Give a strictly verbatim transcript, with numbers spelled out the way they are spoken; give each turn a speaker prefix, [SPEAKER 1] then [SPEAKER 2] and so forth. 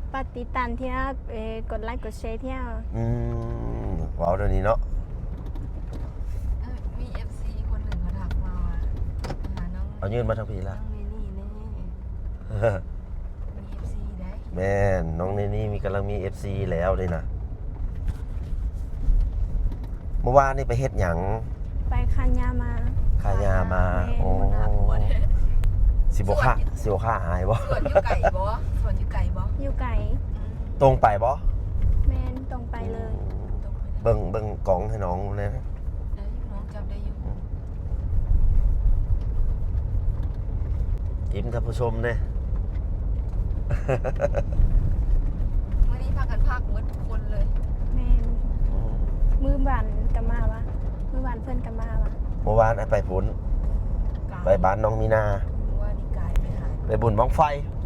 [SPEAKER 1] ปฏิตันที่น่เอ่อกดไลค์กดแชร์ที่น่
[SPEAKER 2] อืมว้าวเดี๋ยวนี้เนาะ
[SPEAKER 3] เอ้ยมี เอฟ ซี คนหนึ่งเขาทักมาว่าหาน้อง
[SPEAKER 2] เอายื่นมาทางพี่
[SPEAKER 3] น้
[SPEAKER 2] ละ
[SPEAKER 3] องเนนี่แน่มี เอฟ ซี ได้
[SPEAKER 2] แม่นน้องเนนี่มีกำลังมี เอฟ ซี แล้วเลยนะเมื่อวานนี่ไปเฮ็ดหยัง
[SPEAKER 1] ไปคันยามา
[SPEAKER 2] ขายามาโอ้
[SPEAKER 3] น่ากลัวเนี่ย
[SPEAKER 2] สิบค่าสิบค่าหายบ่
[SPEAKER 3] สวนอยู่ไก่บ่สวนอยู่ไก่บ่
[SPEAKER 1] อยู่ไก่
[SPEAKER 3] อืม
[SPEAKER 2] ตรงไปบ่
[SPEAKER 1] แมนตรงไปเลย
[SPEAKER 3] ตรงไปได้
[SPEAKER 2] เบิ่งเบิ่งกล่องให้น้องเลยนะ
[SPEAKER 3] ได้อยู่น้องจำได้อยู่
[SPEAKER 2] ยิ้มท่านผู้ชมเนี่ย
[SPEAKER 3] เมื่อนี้พากันพักหมดทุกคนเลย
[SPEAKER 1] แมนมือบานกันมาวะมือบานเพื่อนกันมาวะ
[SPEAKER 2] เมื่อวานไอ้ไปผุน
[SPEAKER 3] กาย
[SPEAKER 2] ไปบ้านน้องมีนา
[SPEAKER 3] ว่านี่กายไปหาย
[SPEAKER 2] ไปบุญบ้องไฟ
[SPEAKER 3] อ